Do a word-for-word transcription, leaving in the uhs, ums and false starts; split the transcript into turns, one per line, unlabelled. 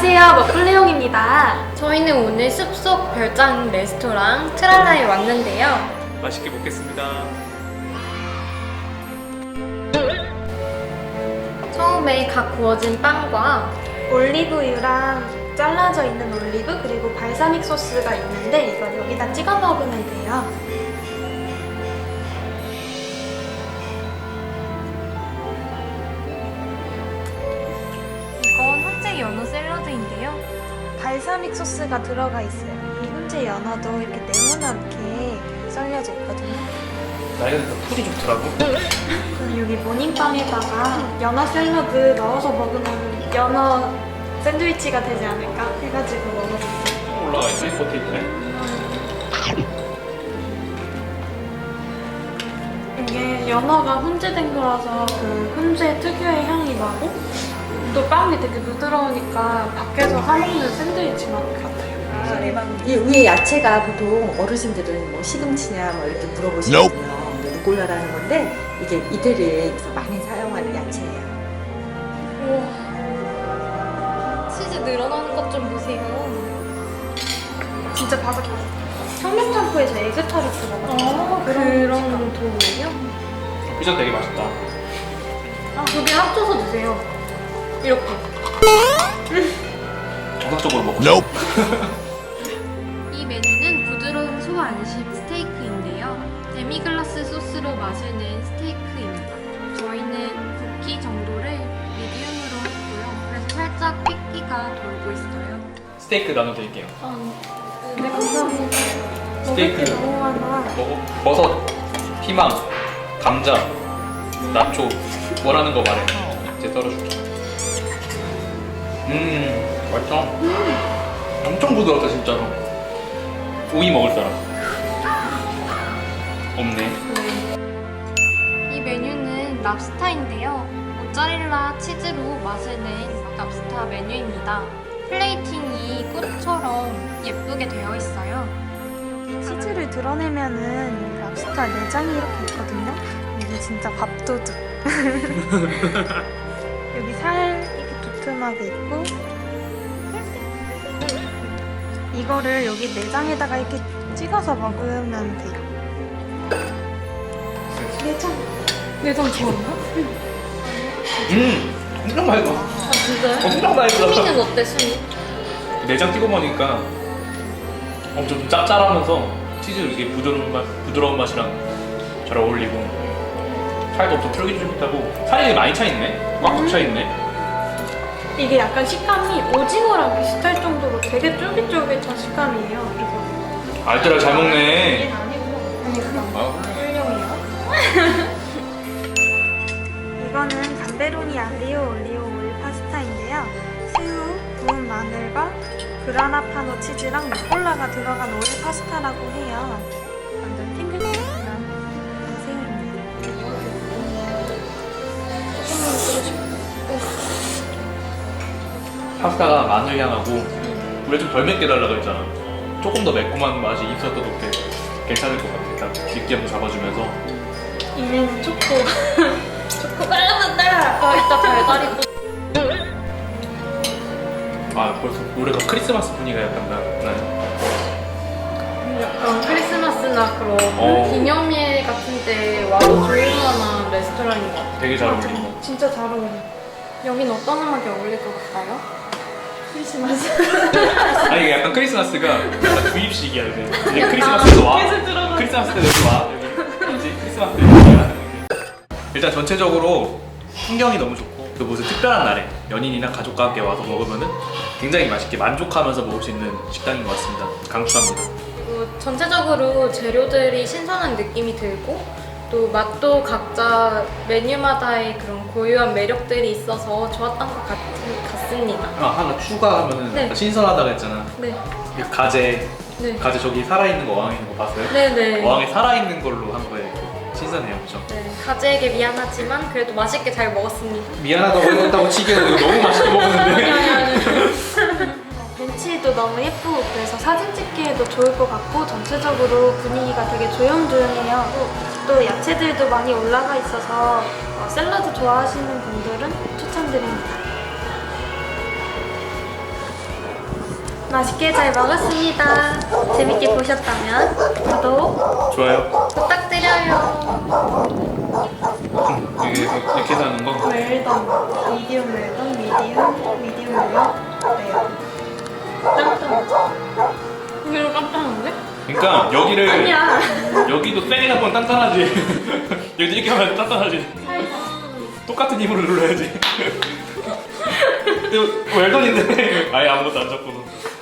안녕하세요, 먹블레용입니다.
저희는 오늘 숲속 별장 레스토랑 트랄라에 왔는데요.
맛있게 먹겠습니다.
처음에 각 구워진 빵과
올리브유랑 잘라져 있는 올리브 그리고 발사믹 소스가 있는데 이걸 여기다 찍어 먹으면 돼요.
이건 훈제 연어 샐러드인데요.
발사믹 소스가 들어가 있어요. 이 훈제 연어도 이렇게 네모나게 썰려져 있거든요.
나이가 드니까 풀이 좋더라고.
그럼 여기 모닝빵에다가 연어 샐러드 넣어서 먹으면 연어 샌드위치가 되지 않을까 해가지고 먹어봤어요.
올라가 있네, 겉에 있네.
이게 연어가 훈제된 거라서 그 훈제 특유의 향이 나고 또 빵이 되게 부드러우니까 밖에서 사먹는 샌드위치 맛 같아요.
이 위에 야채가 보통 어르신들은 뭐 시금치냐 뭐 이렇게 물어보시거든요. 근데 루꼴라라는 건데 이게 이태리에서 많이 사용하는 야채예요.
우와, 치즈 늘어나는 것 좀 보세요.
진짜 바삭바삭. 청양짬뽕에서 에그타르트 먹었어요.
아, 그런 도구예요?
피자 되게 맛있다.
아, 두 개 합쳐서 드세요. 이렇게.
정상적으로 먹고
이 메뉴는 부드러운 소 안심 스테이크인데요. 데미글라스 소스로 맛을 낸 스테이크입니다. 저희는 굽기 정도를 미디움으로 했고요. 그래서 살짝 핏기가 돌고 있어요.
스테이크 나눠드릴게요.
네, 감사합니다.
스테이크.
먹을 게 너무 많아.
먹어. 버섯, 피망, 감자, 나초 원하는 거 말해. 이제 썰어줄게. 음, 맛있다. 엄청 부드럽다 진짜로. 오이 먹을 사람. 없네.
이 메뉴는 랍스타인데요. 모짜렐라 치즈로 맛을 낸 랍스타 메뉴입니다. 플레이팅이 꽃처럼 예쁘게 되어 있어요.
치즈를 드러내면은 랍스터 내장이 이렇게 있거든요. 이게 진짜 밥도둑. 여기 살 이렇게 두툼하게 있고 이거를 여기 내장에다가 이렇게 찍어서 먹으면 돼요. 내장. 내장 좋아요?
음, 엄청 맛있어.
아, 진짜요?
엄청 맛있어.
수미는 어때, 수미?
내장 찍어 먹으니까 엄청 좀 짭짤하면서 치즈 이게 부드러운 맛, 부드러운 맛이랑 잘 어울리고 살도 엄청 쫄깃쫄깃하고 살이 많이 차 있네. 꽉꽉 차 있네.
이게 약간 식감이 오징어랑 비슷할 정도로 되게 쫄깃쫄깃한 식감이에요. 그래서
알뜰하게 잘 먹네.
아니구나.
아,
훌륭해요. 이거는 감베로니 알리오 올리오 오일 파스타인데요. 새우, 구운 마늘과 그라나파노 치즈랑 루꼴라가 들어간 오일 파스타라고 해요. 완전 탱글탱글한 새우입니다. 조금만 쓰고 싶어요.
파스타가 마늘 향하고 우리가 좀 덜 맵게 달라고 했잖아. 조금 더 매콤한 맛이 있었어도 꽤 괜찮을 것 같아. 딱 느끼함도 잡아주면서.
이제는 초코.
초코 깔라만다! 아, 이따 달달이 또.
아, 벌써 노래가 크리스마스 분위기가 약간 나, 나요.
약간 크리스마스나 그런
어.
기념일 같은 때 와도 좋을 만한 레스토랑인 것 같아요.
되게 잘 어울린다.
진짜 잘 어울려.
여긴 어떤 음악이 어울릴 것 같아요?
크리스마스.
아니 이게 약간 크리스마스가 약간 주입식이야 이제. 이제 크리스마스도 와.
계속 들어가.
크리스마스 때 여기 와. 여기 이제 크리스마스 때 여기 와. 일단 전체적으로 풍경이 너무 좋고 또 무슨 특별한 날에 연인이나 가족과 함께 와서 먹으면은 굉장히 맛있게 만족하면서 먹을 수 있는 식당인 것 같습니다. 강추합니다.
그리고 전체적으로 재료들이 신선한 느낌이 들고 또 맛도 각자 메뉴마다의 그런 고유한 매력들이 있어서 좋았던 것 같, 같습니다.
아 하나 추가하면은
네.
아까 신선하다고 했잖아.
네,
이 가재
네,
가재 저기 살아있는 거 어항에 있는 거 봤어요?
네, 네.
어항에 살아있는 걸로 한 거에 신선해요, 그렇죠?
네, 가재에게 미안하지만 그래도 맛있게 잘 먹었습니다.
미안하다고 했다고 치기에는 이거 너무 맛있게 먹었는데.
벤치도 너무 예쁘고 그래서 사진 찍기에도 좋을 것 같고 전체적으로 분위기가 되게 조용조용해요. 또, 또 야채들도 많이 올라가 있어서 어, 샐러드 좋아하시는 분들은 추천드립니다. 맛있게 잘 먹었습니다. 재밌게 보셨다면 구독
좋아요.
부탁드려요.
이게 이렇게 해서 하는 거.
웰던, 미디움 웰던, 미디움, 미디움 웰던, 레어. 짱짱.
이거 깜짝인데?
그러니까 여기를
아니야.
여기도 세게 잡으면 단단하지. 여기도 이렇게 하면 단단하지. 똑같은 힘으로 눌러야지. 이거 웰던인데 아예 아무것도 안 잡고도.